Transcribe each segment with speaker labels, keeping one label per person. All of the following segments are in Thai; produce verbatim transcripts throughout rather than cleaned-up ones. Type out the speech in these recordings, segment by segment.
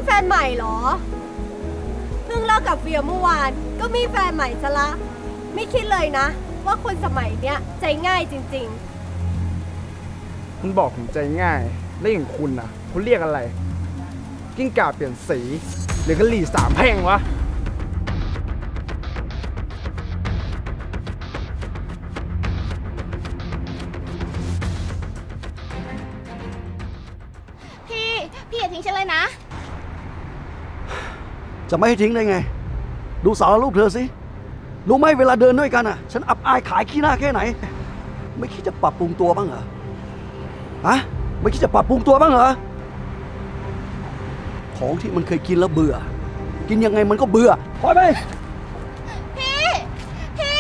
Speaker 1: แฟนใหม่เหรอเพิ่งเลิกกับเฟียเมื่อวานก็มีแฟนใหม่ซะละไม่คิดเลยนะว่าคนสมัยเนี้ยใจง่ายจริง
Speaker 2: ๆคุณบอกผมใจง่ายแล้วอย่างคุณนะคุณเรียกอะไรกิ้งก่าเปลี่ยนสีหรือกะหรี่สามแพร่งวะ
Speaker 3: พี่พี่อย่าทิ้งฉันเลยนะ
Speaker 4: จะไม่ให้ทิ้งได้ไงดูสารรูปเธอสิรู้ไหมเวลาเดินด้วยกันอ่ะฉันอับอายขายขี้หน้าแค่ไหนไม่คิดจะปรับปรุงตัวบ้างเหรอฮะไม่คิดจะปรับปรุงตัวบ้างเหรอของที่มันเคยกินแล้วเบื่อกินยังไงมันก็เบื่อปล่อยไป
Speaker 3: พี่พี่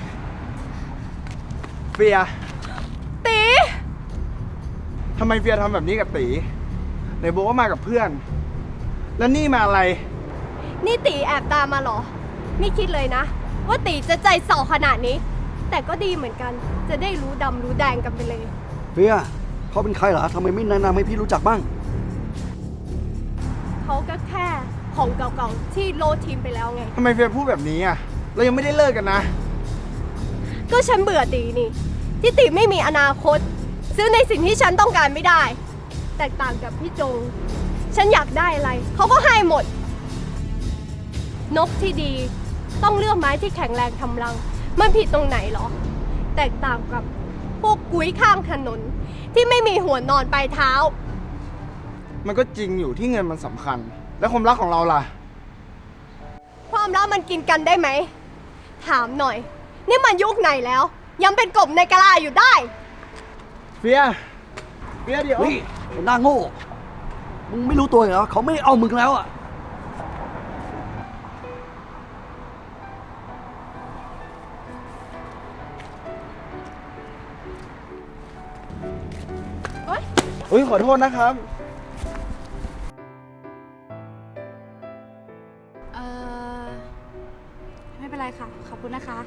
Speaker 2: เฟีย
Speaker 1: ตี
Speaker 2: ทำไมเฟียทำแบบนี้กับตีไหนบอกว่ามากับเพื่อนแล้วนี่มาอะไร
Speaker 1: นี่ตีแอบตามมาเหรอไม่คิดเลยนะว่าตีจะใจส่อขนาดนี้แต่ก็ดีเหมือนกันจะได้รู้ดำรู้แดงกันไปเลย
Speaker 4: เฟียเขาเป็นใครเหรอทำไมไม่แนะนำให้พี่รู้จักบ้าง
Speaker 1: เขาก็แค่ของเก่าๆที่โลดทิ้งไปแล้วไง
Speaker 2: ทำไมเฟียพูดแบบนี้อ่ะเรายังไม่ได้เลิกกันนะ
Speaker 1: ก็ฉันเบื่อตีนี่ที่ตีไม่มีอนาคตซื้อในสิ่งที่ฉันต้องการไม่ได้แตกต่างกับพี่จงฉันอยากได้อะไรเขาก็ให้หมดนกที่ดีต้องเลือกไม้ที่แข็งแรงทำรังมันผิดตรงไหนหรอแตกต่างกับพวกกุ้ยข้างถนนที่ไม่มีหัวนอนปลายเท้า
Speaker 2: มันก็จริงอยู่ที่เงินมันสำคัญแล้วความรักของเราล่ะ
Speaker 1: ความรักมันกินกันได้ไหมถามหน่อยนี่มันยุคไหนแล้วยังเป็นกบในกะลาอยู่ได้
Speaker 2: เฟียเฟียเดี๋ยว
Speaker 4: นี่หน้าโง่มึงไม่รู้ตัวเหรอเขาไม่เอามึงแล้วอ่ะ
Speaker 2: อุ้ยขอโทษนะครับ
Speaker 3: เออไม่เป็นไรค่ะขอบคุณนะคะ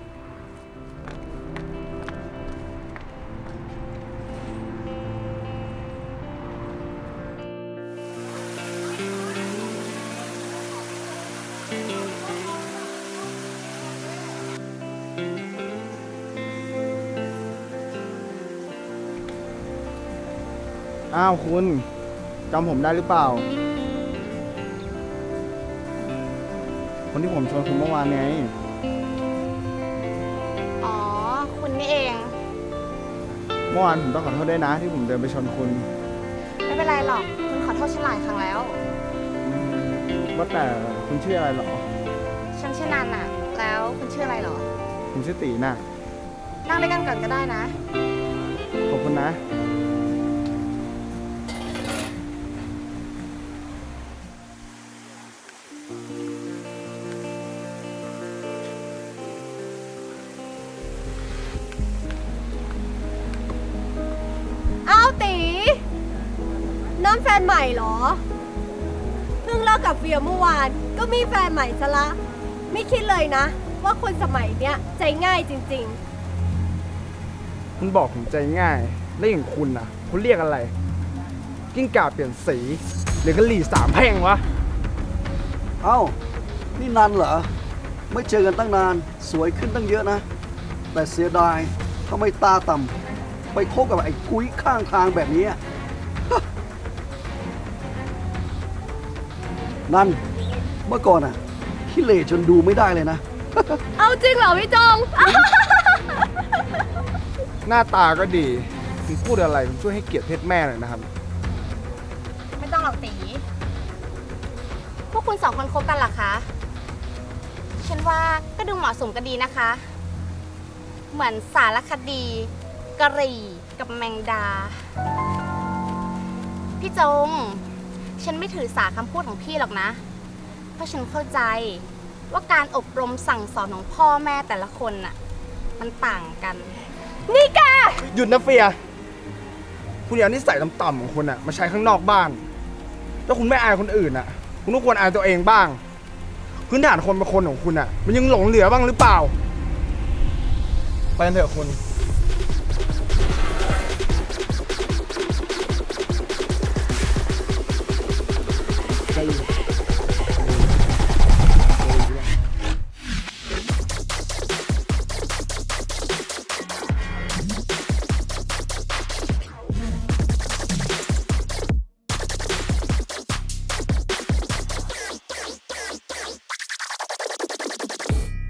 Speaker 2: อ้าวคุณจำผมได้หรือเปล่าคนที่ผมชวนคุณเมื่อวานไง
Speaker 3: อ๋อคุณนี่เอง
Speaker 2: เมื่อวานผมต้องขอโทษด้วยนะที่ผมเดินไปชนคุณ
Speaker 3: ไม่เป็นไรหรอกคุณขอโทษฉันหลายครั้งแล้ว
Speaker 2: ว่าแต่คุณชื่ออะไรหรอ
Speaker 3: ฉันชื่อนันน่ะแล้วคุณชื่ออะไรหรอ
Speaker 2: ผมชื่อตีน่ะ
Speaker 3: นั่งด้วยกันก่อนก็ได้นะ
Speaker 2: ขอบคุณนะ
Speaker 1: น้ำแฟนใหม่เหรอเพิ่งเลิกกับเฟียเมื่อวานก็มีแฟนใหม่ซะละไม่คิดเลยนะว่าคนสมัยเนี้ยใจง่ายจริง
Speaker 2: ๆคุณบอกผมใจง่ายแล้วอย่างคุณนะคุณเรียกอะไรกิ้งก่าเปลี่ยนสีหรือกะหรี่สามแพร่งวะ
Speaker 4: เอ้านี่นันเหรอไม่เจอกันตั้งนานสวยขึ้นตั้งเยอะนะแต่เสียดายทำไมตาต่ำไปคบกับไอ้กุ้ยข้างทางแบบนี้นั่นเมื่อก่อนอ่ะขี้เหร่จนดูไม่ได้เลยนะ
Speaker 1: เอาจริงเหรอพี่จง
Speaker 2: หน้าตาก็ดีคุณพูดอะไรคุณช่วยให้เกียรติเพศแม่หน่อยนะครับ
Speaker 3: ไม่ต้องหรอกตีพวกคุณสองคนคบกันหรอคะฉันว่าก็ดูเหมาะสมกันดีนะคะเหมือนสารคดีกะหรี่กับแมงดาพี่จงฉันไม่ถือสาคำพูดของพี่หรอกนะเพราะฉันเข้าใจว่าการอบรมสั่งสอนของพ่อแม่แต่ละคนน่ะมันต่างกัน
Speaker 1: นี่แก
Speaker 2: หยุดนะเฟียคุณอย่านิสัยต่ำๆของคุณอะมาใช้ข้างนอกบ้านถ้าคุณไม่อายคนอื่นอะคุณต้องควรอายตัวเองบ้างพื้นฐานคนเป็นคนของคุณอะมันยังหลงเหลือบ้างหรือเปล่าไปกันเถอะคุณ